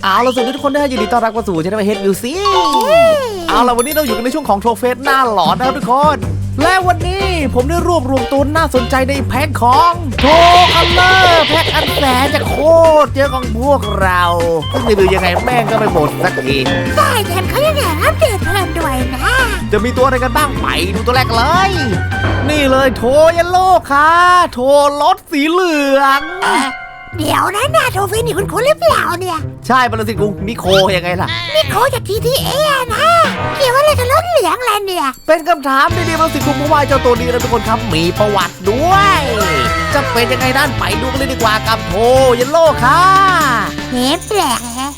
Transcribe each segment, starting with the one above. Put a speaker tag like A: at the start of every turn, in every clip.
A: เอาล่ะสวัสดีทุกคนด้วยยินดีต้อนรับเข้าสู่ช่องเฮดวิวซี่เอาล่ะวันนี้เราอยู่กันในช่วงของโทรเฟสหน้าหลอนนะครับทุกคนและวันนี้ผมได้รวบรวมตัวน่าสนใจในแพ็คของโทคัลเลอร์แพ็คอันแสนจะโคตรเยอะของพวกเราซึ่งดูยังไงแม่งก็ไม่หมดสักที
B: ใช่แถมเขายังแถมอัปเดตเพิ่มด้วยนะ
A: จะมีตัวอะไรกันบ้างไปดูตัวแรกเลยนี่เลยโทยัลโลค่ะโทรถสีเหลือง
B: เดี๋ยวนะนาโทฟินนี่คุณหรือเปล่าเนี่ย
A: ใช่บรสิทธิ์กรุงนิโคยังไงล่ะ
B: นิโคจาก GTA นะเกี่ยวอะไรกับรถเหลืองอะไรเนี่ย
A: เป็นคำถามดีๆบรสิทธิ์กรุงเพราะว่าเจ้าตัวนี้นะทุกคนครับมีประวัติด้วยจะเป็นยังไงนั่นไปดูกันเลยดีกว่ากับโทยัลโลค่ะ
B: เฮ้แปลกแฮะ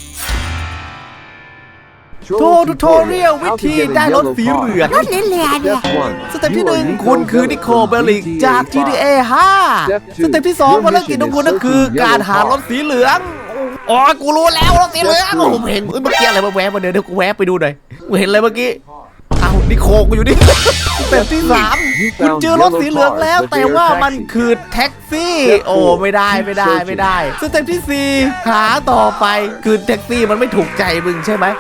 A: โททูทอเรียลวิธีได้รถสีเหลือง
B: รถเหลืองเนี่ย
A: สเต็ปที่1คุณคือนิโคเบลลิกจาก GTA 5สเต็ปที่2ภารกิจของคุณนั่นคือการหารถสีเหลืองอ๋อกูรู้แล้วรถสีเหลืองผมเห็นเมื่อกี้อะไรมาแวบมาเดี๋ยวกูแวบไปดูหน่อยกูเห็นอะไรเมื่อกี้อ้าวนิโคกูอยู่นี่สเต็ปที่3คุณเจอรถสีเหลืองแล้วแต่ว่ามันคือแท็กซี่โอ้ไม่ได้สเต็ปที่4หาต่อไปคือแท็กซี่มันไม่ถูกใจมึงใช่ไหม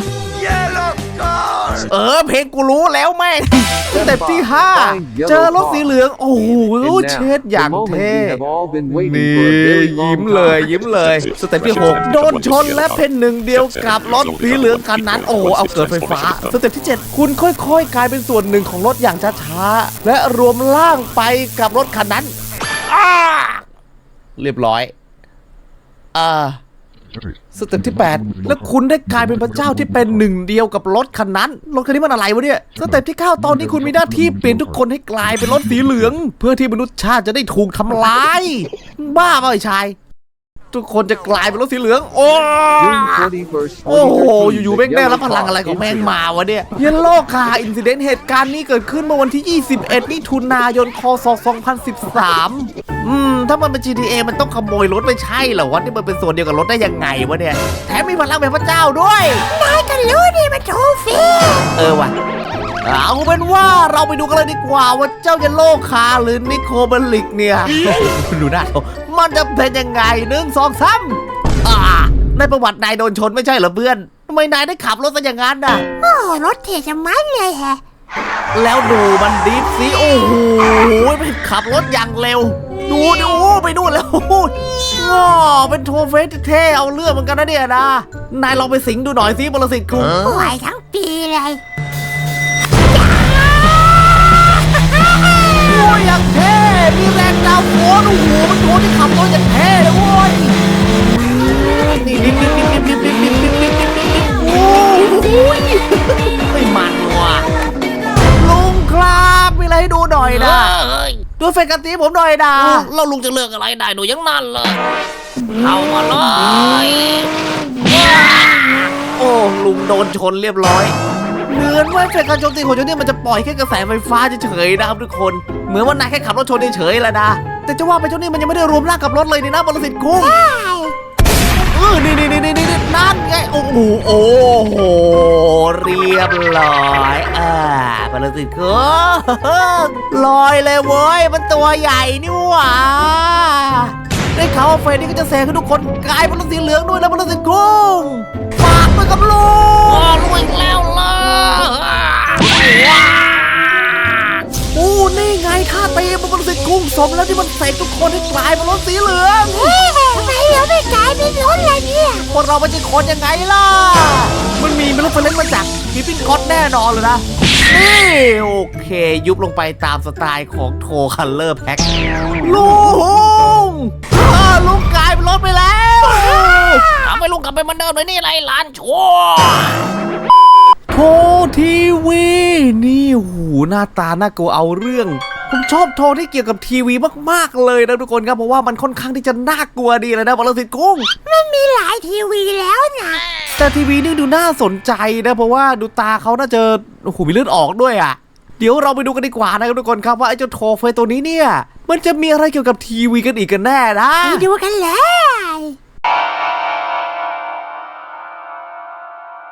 A: เพลงกูรู้แล้วแม่สเต็ปที่5เจอรถสีเหลืองโอ้โหเช็ดอย่างเท่นี่ยิ้มเลยสเต็ปที่6โดนชนและเป็นหนึ่งเดียวกับรถสีเหลืองคันนั้นโอ้เอาเกิดไฟฟ้าสเต็ปที่7คุณค่อยๆกลายเป็นส่วนหนึ่งของรถอย่างช้าๆและรวมร่างไปกับรถคันนั้นเรียบร้อยสเต็ปที่8แล้วคุณได้กลายเป็นพระเจ้าที่เป็นหนึ่งเดียวกับรถคันนั้นรถคันนี้มันอะไรวะเนี่ยสเต็ปที่9ตอนนี้คุณมีหน้าที่เปลี่ยนทุกคนให้กลายเป็นรถสีเหลืองเพื่อที่มนุษยชาติจะได้ถูกทำลายบ้าเปล่าไอ้ชายทุกคนจะกลายเป็นรถสีเหลืองโอ้โหอยู่ๆแม่งได้รับพลังอะไรของแม่งมาวะเนี่ยเยลโล่คาอินซิเดนต์เหตุการณ์นี้เกิดขึ้นเมื่อวันที่21มิถุนายนคศ2013ถ้ามันเป็น GTA มันต้องขโมยรถไม่ใช่เหรอวะนี่มันเป็นส่วนเดียวกับรถได้ยังไงวะเนี่ยแถมมีพลังแบบพระเจ้าด้วย
B: นายก็รู้นี่มันโทฟิน
A: ว่ะเอาเป็นว่าเราไปดูกันเลยดีกว่าว่าเจ้าเยลโล่คาหรือนิโคเบลลิกเนี่ยดูหน้าเขามันจะเป็นยังไง1 2 3ในประวัตินายโดนชนไม่ใช่เหรอเพื่อนทำไมนายได้ขับรถซะอย่างนั้นน่ะ
B: โอ้รถเท่จะมันเลยแฮะ
A: แล้วดูมันดิฟสิโอ้โหมันขับรถอย่างเร็วดูไปนู่นแล้วเป็นโทเฟสเท่เอาเรื่องเหมือนกันนะเนี่ยนะนายลองไปสิงดูหน่อยสิบรสิทธิ์คุณ
B: ไหวทั้งปีเลย
A: โอ้ยอย่างเท่มีแรงดาวโผล่โอ้โหมันโทที่ขับรถอย่างเท่เลยโว้ยนี่โอ้ยไม่มันว่ะลุงครับมีอะไรให้ดูหน่อยนะดูเฟกันตีผมหน่อยนะ
C: เราลุงจะเลือกอะไรได้หนูยังนั่นเลยเข้ามาเลย
A: โอ้ลุงโดนชนเรียบร้อยเหมือนว่าเฟกันโจมตีของเจ้านี่มันจะปล่อยแค่กระแสไฟฟ้าเฉยๆนะครับทุกคนเหมือนว่านายแค่ขับรถชนเฉยๆแหละนะแต่จะว่าไปเจ้านี่มันยังไม่ได้รวมร่างกับรถเลยนี่นะบรสิทธิ์กุ้งนี่นั่นไงโอ้โหเรียบร้อยบรสิทธิ์กุ้งลอยเลยเว้ยมันตัวใหญ่นี่หว่าได้ข่าวว่าเฟรนนี่ก็จะแซงให้ทุกคนกลายเป็นรถสีเหลืองด้วยแล้วบรสิทธิ์กุ้งฝากไปกับลุง
C: ลุงแล้ว
A: นี่ไงท่าตีมันบรสิทธิ์กุ้งสมแล้วที่มันเสกทุกคนให้กลายเป็นรถสีเหลือง
B: ทำไมเราไม่กลายเป็นรถอะไรเนี่ย
A: พวกเราไม่ใช่คนยังไงล่ะมันมีเรฟเฟอเรนซ์มาจากกิฟฟินคอตแน่นอนเลยนะนี่โอเคยุบลงไปตามสไตล์ของโทคัลเลอร์แพ็คลุงกลายเป็นรถไปแล้ว
C: ทำให้ลุงกลับไปเหมือนเดิมเลยนี่ไรหลานชั่ว
A: โททีวีนี่หูหน้าตาน่ากลัวเอาเรื่องผมชอบโทที่เกี่ยวกับทีวีมากๆเลยนะทุกคนครับเพราะว่ามันค่อนข้างที่จะน่ากลัวดีเลยนะบรสิทธิ์กุ้ง
B: มันมีหลายทีวีแล้วนะ
A: แต่ทีวีนี่ดูน่าสนใจนะเพราะว่าดูตาเขาน่าจะโอ้โหมีเลือดออกด้วยอ่ะเดี๋ยวเราไปดูกันดีกว่านะครับทุกคนครับว่าไอ้เจ้าโทเฟยตัวนี้เนี่ยมันจะมีอะไรเกี่ยวกับทีวีกันอีกกันแน่นะ
B: ไปดูกันเลย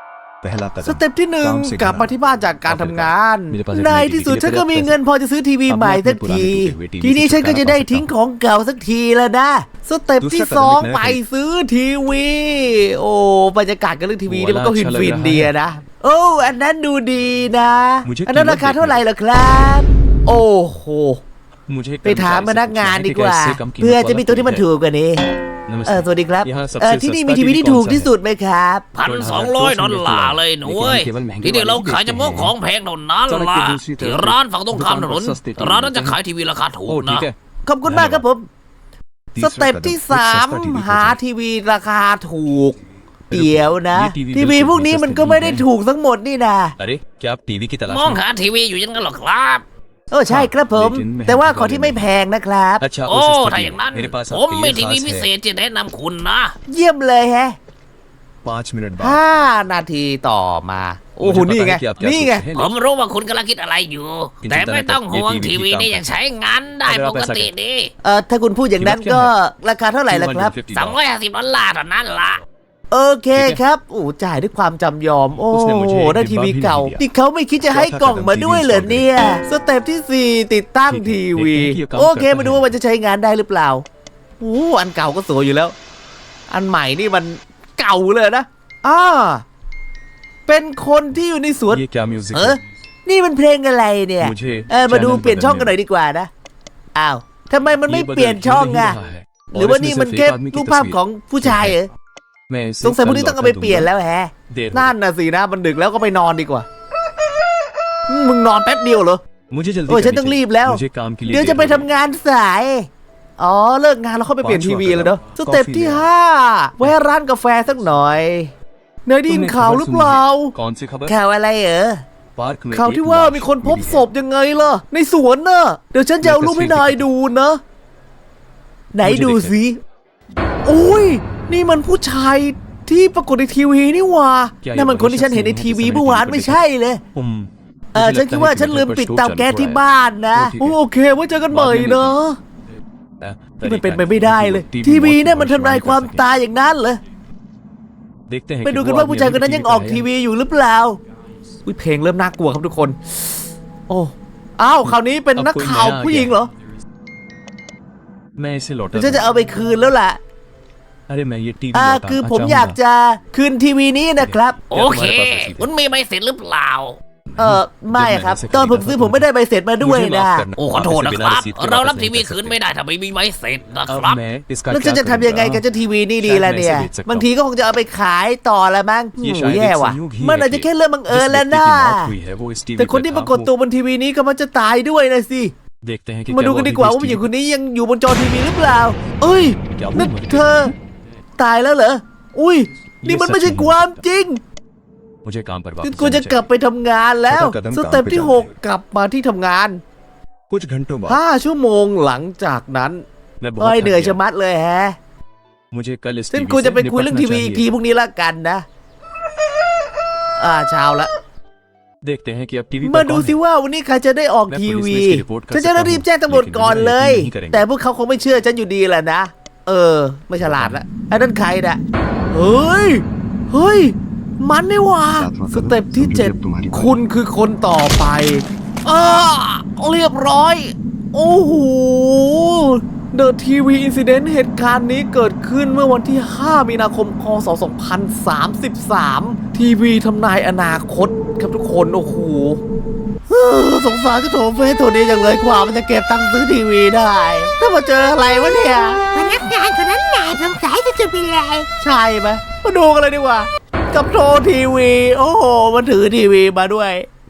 D: पहला
A: ส
D: कदम
A: เต็ปที่หนึ่ง
D: काम से
A: กลับมา
D: घबराना
A: ที่บ้านจากการทำงาน
D: มีแต่
A: ในที่สุดฉันก็มีเงินพอจะซื้อทีวีใหม่สักที ทีนี้ฉันก็จะได้ทิ้งของเก่าสักทีแล้วนะสเต็ปที่สองไปซื้อทีวี โอ้บรรยากาศกับเรื่องทีวีนี่มันก็ฟินๆดีอะนะโอ้อันนั้นดูดีนะอันนั้นราคาเท่าไหร่เหรอครับ โอ้โห
D: मुझे
A: ไปถามพนักงานดีกว่า เพื่อจะมีตัวที่มันถูกกว่านี้ สวัสดีครับที่นี่มีทีวีที่ถูกที่สุดไหมครับ
C: $1,200เลยหนูเว้ยที่เดี๋ยวเราขายเฉพาะของแพงเท่านั้นล่ะที่ร้านฝั่งตรงข้ามถนนร้านนั้นจะขายทีวีราคาถูก
D: ओ
C: นะ
D: ठीक है
A: ขอบคุณมากครับผม สเต็ปที่3หาทีวีราคาถูก เดี๋ยวนะ ทีวีพวกนี้มันก็ไม่ได้ถูกทั้งหมดนี่นะ
D: अरे क्या आप टीवी की तलाश
C: มอง
D: में
C: หาทีวีอยู่อยังนั้นหรอครับ
A: ใช่ครับผม แต่ว่าขอที่ไม่แพงนะครับ
D: अच्छा
C: โอ้
D: उस स्थिति
C: ถ้าอย่างนั้น
D: मेरे पास
C: ผม
D: आपके
C: มี
D: लिए
C: ทีวี
D: खास
C: พิเศ
D: है
C: ษจะแนะนำคุณนะ
A: เยี่ยมเลยแฮะ
D: 5 मिनट बाद
A: 5 นาทีต่อมา โอ้โหนี่ไง นี่ไง
C: ผมรู้ว่าคุณกำลังคิดอะไรอยู่ แต่ไม่ต้องห่วงทีวีนี่ยังใช้งานได้ปกติดี
A: ถ้าคุณพูดอย่างนั้นก็ราคาเท่าไหร่ล่ะครับ
C: $250เท่านั้นล่ะ
A: โอเคครับโอ้จ่ายด้วยความจำยอม โอ้โหได้ทีวีเก่าที่เขาไม่คิดจะให้กล่องมาด้วยเหรอเนี่ย สเต็ปที่ 4 ติดตั้งทีวี โอเคมาดูว่ามันจะใช้งานได้หรือเปล่าโอ้อันเก่าก็สวยอยู่แล้ว อันใหม่นี่มันเก่าเลยนะเป็นคนที่อยู่ในสวน
D: ये क्या म्यूजिक
A: นี่มันเพลงอะไรเนี่ย
D: मुझे
A: มาดู
D: चैनल
A: เปลี่ยนช่องกันหน่อยดีกว่านะอ้าวทำไมมันไม่เปลี่ยนช่องอะหรือว่านี่มันแค่รูปภาพของผู้ชายเหรอสงสัยพวกนี้ต้องเอาไปเปลี่ยนแล้วแฮะนั่นน่ะสินะมันดึกแล้วก็ไปนอนดีกว่ามึงนอนแป๊บเดียวเหรอ
D: मुझे जल्दी
A: โอ้ยฉันต้องรีบแล้ว
D: मुझे काम के लिए
A: เดี๋ยวจะไปทำงานสายเลิกงานแล้วเข้าไปเปลี่ยนทีวีเลยเนาะสเต็ปที่ 5 แวะร้านกาแฟสักหน่อยเนยได้ยินข่าวหรือเปล่า
D: कौन सी खबर
A: ข่าวอะไรเหรอ
D: पार्क में
A: ข่าวที่ว่ามีคนพบศพยังไงล่ะ ในสวนน่ะ เดี๋ยวฉันจะเอารูปให้นายดูนะ ไหนดูสิโอ้ยนี่มันผู้ชายที่ปรากฏในทีวีนี่หว่านั่นมันคนที่ฉันเห็นในทีวีเมื่อวานไม่ใช่เลย ฉันคิดว่าฉันลืมปิดเตาแก๊สที่บ้านนะโอเคไว้เจอกันใหม่นะที่มันเป็นไปไม่ได้เลย ทีวีเนี่ยมันทำลายความตายอย่างนั้นเหรอไปดูกันว่าผู้ชายคนนั้นยังออกทีวีอยู่หรือเปล่าอุ้ยเพลงเริ่มน่ากลัวครับทุกคน โอ้คราวนี้เป็นนักข่าวผู้หญิงเหรอ
D: मैं इसे लौटा
A: ฉันจะเอาไปคืนแล้วล่ะ
D: अरे मैं ये टीवी
A: คือผมอยากจะคืนทีวีนี้นะครับ
C: โอเค คุณมีใบเสร็จหรือเปล่า
A: ไม่ครับ ตอนผมซื้อผมไม่ได้ใบเสร็จมาด้วยนะ
C: โอ้ขอโทษนะครับ เรารับทีวีคืนไม่ได้ถ้าไม่มีใบเสร็จนะครับ
A: แล้วฉันจะทำยังไงกับเจ้าทีวีนี่ดีล่ะเนี่ยบางทีก็คงจะเอาไปขายต่อละมั้งโอ้แย่ว่ะมันอาจจะแค่เรื่องบังเอิญแล้วนะแต่คนที่ปรากฏตัวบนทีวีนี้ก็มันจะตายด้วยนะสิมาดูกันดีกว่าว่าผู้หญิงคนนี้ยังอยู่บนจอทีวีหรือเปล่าเอ้ยนั่นเธอตายแล้วเหรออุ้ยนี่มันไม่ใช่ความจริงฉันควรจะกลับไปทำงานแล้วสเต็ปที่ 6 กลับมาที่ทำงาน
D: कुछ घंटों बाद
A: 5 ชั่วโมงหลังจากนั้น
D: मैं
A: เฮ้ย
D: बहुत
A: เหนื่อย
D: थक
A: ชะ
D: गया
A: มัดเลยแฮะ
D: मुझे कल इस
A: ฉัน
D: टीवी
A: ควร
D: से
A: จะไปคุยเรื่องทีวี
D: निपटना
A: อีกที
D: चाहिए
A: พรุ่งนี้ละกันนะเช้าละ
D: देखते हैं कि अब टीवी
A: มา
D: पर
A: ดู
D: कौन
A: สิ
D: है
A: ว่าวันนี้ใครจะได้ออกทีวี ฉันจะรีบแจ้งตำรวจก่อนเลย แต่พวกเขาคงไม่เชื่อฉันอยู่ดีแหละนะไม่ฉลาดละไอ้นั่นใครน่ะเฮ้ยมันนี่หว่าสเต็ปที่ 7 คุณคือคนต่อไปเรียบร้อย โอ้โห The TV Incident เหตุการณ์นี้เกิดขึ้นเมื่อวันที่ 5 มีนาคม พศ 2033 ทีวีทำนายอนาคตครับทุกคน โอ้โหสงสารเจ้าโถเฟสตัวนี้อย่างเลยกว่ามันจะเก็บตังค์ซื้อทีวีได้ ถ้ามาเจออะไรวะเนี่ย
B: พนักงานคนนั้นหนาสงสัยจะเป็นไร
A: ใช่ไหมมาดูกันเลยดีกว่า กับโทรทีวี โอ้โห มันถือทีวีมาด้วย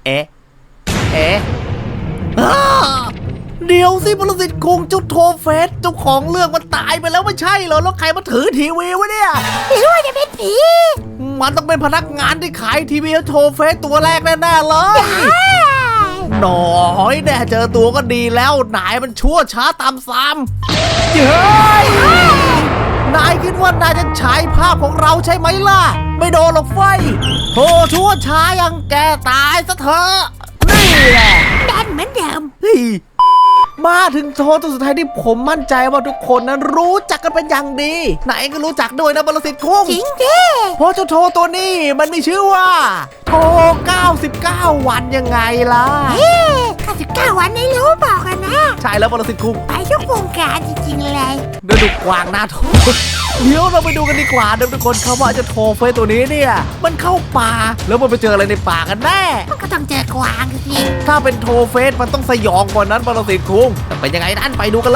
A: เดี๋ยวสิปรสิตคงเจ้าโทเฟสเจ้าของเรื่องมันตายไปแล้วไม่ใช่เหรอ แล้วใครมาถือทีวีวะเนี่ย
B: หรือว่าจะเป็นผี
A: มันต้องเป็นพนักงานที่ขายทีวีโทเฟสตัวแรกแน่ๆเลย หน่อยแน่เจอตัวก็ดีแล้วนายมันชั่วช้าตามซ้ำเฮ้ยนายคิดว่านายจะฉายภาพของเราใช่ไหมล่ะ ไม่โดนหรอกไฟโธ่ชั่วช้ายังแกตายซะเถอะนี่แหละ
B: ดันเหมือนเดิม
A: เฮ้ยมาถึงโทรตัวสุดท้ายที่ผมมั่นใจว่าทุกคนนั้นรู้จักกันเป็นอย่างดี ไหนก็รู้จักด้วยนะบรสิทธิ์คุ้ง
B: จริงดิ
A: เพราะเจ้าโทรตัวนี้มันมีชื่อว่าโทร99 วันยังไงล่ะ
B: 99 วันไม่รู้บอกกันนะ
A: ใช่แล้วบรสิทธิ์คุ้ง
B: ไปทุกวงการจริงๆเลย
A: เดินดูกวางหน้าโทรเดี๋ยวเราไปดูกันดีกว่านะทุกคนครับว่าเจ้าโทรเฟสตัวนี้เนี่ยมันเข้าป่าแล้วมันไปเจออะไรในป่ากันแน่
B: มันก็ต้องเจอกวางสิ
A: ถ้าเป็นโทรเฟสมันต้องสยองกว่านั้นบรสิทธิ์คุ้งแต่เป็นยังไงนั้นไปดูกันเลย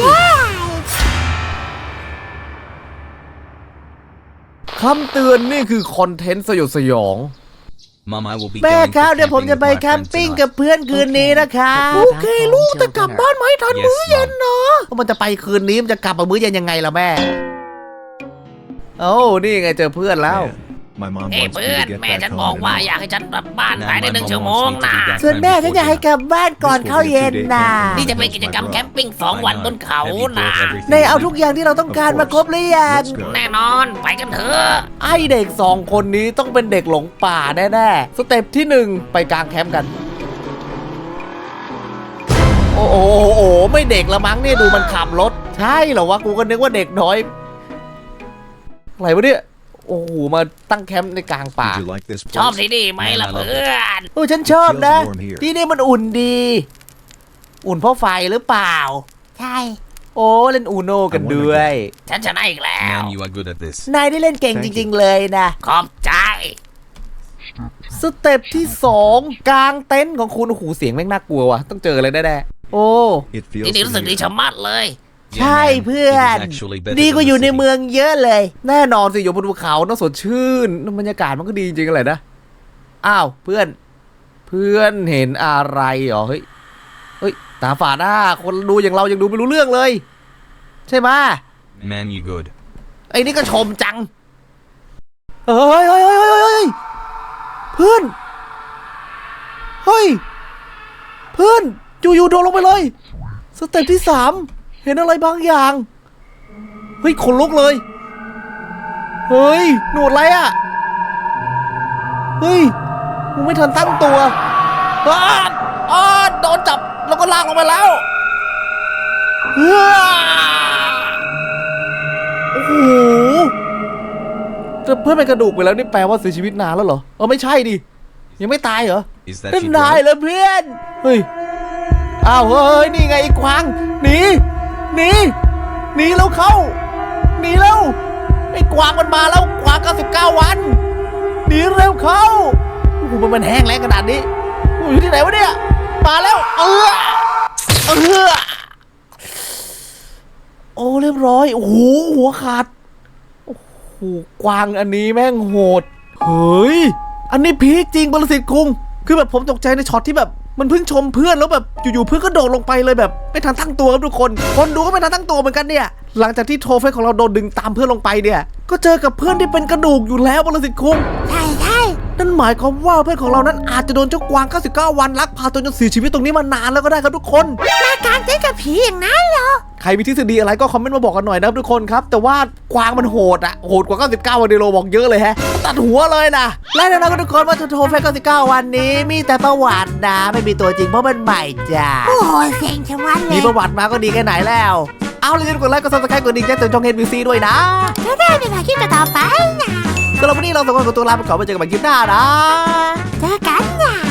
A: คำเตือนนี่คือคอนเทนต์สยดสยอง
D: Mom, I will be
A: แม่
D: going
A: ครับ
D: for
A: เดี๋ยวผมจะ
D: camping
A: ไป
D: with my
A: แคม
D: friends
A: ปิ้ง
D: tonight.
A: กับเพื่อนคืนนี้นะคะโอเคลูกแต่กลับบ้านไม่ทันมื้อเย็นเนาะมันจะไปคืนนี้มันจะกลับมามื้อเย็นยังไงล่ะแม่โอ้นี่ไงเจอเพื่อนแล้ว
D: My mom
C: เอ้ย
D: wants me
C: เพื่อน
D: to get
C: แม่
D: back
C: ฉัน
D: home
C: บอกว่า
D: tonight.
C: อยากให้ฉันกลับบ้านภายใน1 ชั่วโมงนะ
A: ส่วนแม่ฉันอยากให้กลับบ้านก่อนเข้าเย็นนะ
C: นี่จะเป็นกิจกรรมแคมปิ้ง2 วันบนเขานะ
A: ในเอาทุกอย่างที่เราต้องการมาครบหรือยัง
C: แน่นอนไปกันเถอะ
A: ไอเด็ก2 คนนี้ต้องเป็นเด็กหลงป่าแน่ๆสเต็ปที่ 1 ไปกางแคมป์กัน โอ้โหไม่เด็กละมั้งเนี่ยดูมันขับรถ ใช่เหรอวะกูก็นึกว่าเด็กน้อยอะไรวะเนี่ยโอ้โหมาตั้งแคมป์ในกลางป่า
D: Did you like this
C: ชอบ
D: place?
C: ที่นี่ไหมล่ะเพื่อน
A: โอ้ฉันชอบนะ
D: It feels warm here.
A: ที่นี่มันอุ่นดี อุ่นเพราะไฟหรือเปล่า
B: ใช่
A: โอ้เล่นอูโนกันด้วย
C: ฉันชนะอีกแล้ว
D: Man, you are good at this.
A: นายได้เล่นเก่งจริง ๆ เลยนะ
C: ขอบใจ
A: สเต็ปที่ 2 กลางเต็นท์ของคุณโอ้โหเสียงแม่งน่ากลัวว่ะต้องเจออะไรแน่ๆโอ้
D: It feels
C: ที่นี่รู้สึกดี
D: familiar.
C: ชะมัดเลย
A: ใช่เพื่อน
D: It is actually better
A: ดีกว่า
D: than
A: อยู่ใน
D: the city.
A: เมืองเยอะเลย แน่นอนสิอยู่บนภูเขาต้องสดชื่นบรรยากาศมันก็ดีจริงๆเลยนะอ้าวเพื่อนเห็นอะไรเหรอเฮ้ยตาฝาดคนดูอย่างเรายังดูไม่รู้เรื่องเลย ใช่ไหม
D: Man, you good.
A: ไอ้นี่ก็ชมจังเฮ้ยเพื่อนอยู่ๆโดนลงไปเลยสเต็ปที่ 3 เห็นอะไรบางอย่างเฮ้ยขนลุกเลยเฮ้ยหนวดอะไรอ่ะเฮ้ยมึงไม่ทันตั้งตัวโดนจับแล้วก็ลากลงไปแล้วโอ้โหแต่เพื่อนเป็นกระดูกไปแล้วนี่แปลว่าเสียชีวิตนานแล้วเหรอไม่ใช่ดิยังไม่ตายเหรอ
D: Is that
A: นั่น
D: you,
A: นาย
D: bro?
A: เหรอเพื่อนเฮ้ยอ้าวเฮ้ยนี่ไงไอ้กวางหนีแล้วเข้าหนีแล้วไอ้กวางมันมาแล้วกวาง99 วันหนีเร็วเข้าโอ้โหมันแห้งแล้งขนาดนี้อยู่ที่ไหนวะเนี่ยมาแล้วโอ้เรียบร้อยโอ้โหหัวขาดโอ้โหกวางอันนี้แม่งโหดเฮ้ยอันนี้พีคจริงบรสิทธิ์คุงคือแบบผมตกใจในช็อตที่แบบมันเพิ่งชมเพื่อนแล้วแบบอยู่ๆเพื่อนก็โดดลงไปเลยแบบไม่ทันตั้งตัวครับทุกคนดูก็ไม่ทันตั้งตัวเหมือนกันเนี่ยหลังจากที่โทรเฟสของเราโดนดึงตามเพื่อนลงไปเนี่ยก็เจอกับเพื่อนที่เป็นกระดูกอยู่แล้วบรสิทธิ์คุง
B: ใช่
A: นั่นหมายความว่าเพื่อนของเรานั้นอาจจะโดนเจ้ากวาง99 วันลักพาตัวจนเสียชีวิตตรงนี้มานานแล้วก็ได้ครับทุกคน
B: มากางเต็นท์กับผีอย่างนั้นเหรอ
A: ใครมีทฤษฎีอะไรก็คอมเมนต์มาบอกกันหน่อยนะครับทุกคนครับแต่ว่ากวางมันโหดกว่า99 วันเดโลบอกเยอะเลยตัดหัวเลยนะและแน่นอนทุกคนว่าโทรเฟส99 วันนี้มีแต่ประวัตินะไม่มีตัวจริงเพราะมันใหม่จ้า
B: โอ้ยเซ็งชะมัดเล
A: มี
B: ย
A: ประวัติมาก็ดีแค่ไหนแล้ว เอาเลยกดไลค์กดซับสไครต์กดดิ่งแจ้งเตือนช่อง HBC ด้วยนะ
B: จะได้เป็นอาชีพต่อไปนะ
A: สำหรับวันนี้เราสองคนขอตัวลาไปก่อนไว้เจอกันใหม่คลิปหน้านะ
B: เจอกันนะ